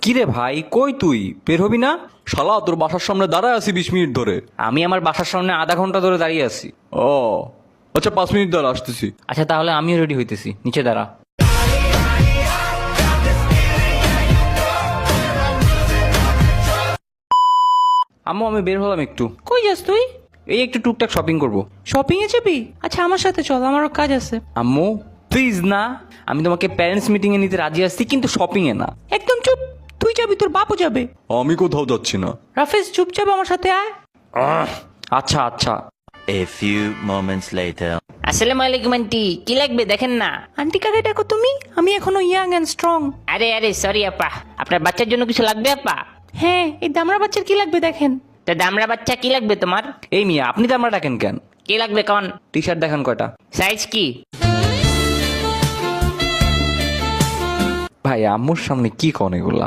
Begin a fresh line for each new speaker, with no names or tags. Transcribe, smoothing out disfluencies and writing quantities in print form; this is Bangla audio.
কিরে ভাই, কই তুই বের হবি না?
শালা তোর বাসার সামনে দাঁড়ায় আছি 20 মিনিট ধরে।
আমি আমার বাসার সামনে আধা ঘন্টা ধরে দাঁড়িয়ে আছি।
ও আচ্ছা, 5 মিনিট দাঁড়া, আসতেছি।
আচ্ছা তাহলে আমিও রেডি হইতেছি, নিচে দাঁড়া। আম্মু আমি বের হলাম একটু।
কই যাস তুই?
এই একটু টুকটাক শপিং করব।
শপিং এ যাবি? আচ্ছা আমার সাথে চল, আমারও কাজ আছে।
আম্মু প্লিজ না, আমি তোমাকে প্যারেন্টস মিটিং এ নিতে রাজি আছি, কিন্তু শপিং এ না।
একদম চুপ, তুই যাবি, তোর বাপও যাবে।
আমি কোথাও যাচ্ছি না।
রাফেজ চুপচাপ আমার সাথে আয়।
আচ্ছা আচ্ছা।
A few moments later.
আসসালামু আলাইকুম আন্টি, কি লাগবে দেখেন না।
আন্টি কাকে ডাকো তুমি? আমি এখনো ইয়াং এন্ড স্ট্রং।
আরে সরি আপা, আপনার বাচ্চার জন্য কিছু লাগবে আপা?
হ্যাঁ, এই দামড়া বাচ্চার কি লাগবে দেখেন।
তা দামড়া বাচ্চা কি লাগবে তোমার?
এই মিয়া, আপনি তো আমরা ডাকেন কেন?
কি লাগবে কন?
টি শার্ট দেখান কয়টা।
সাইজ কি?
ভাই আম্মুর সামনে কি কন এগুলা?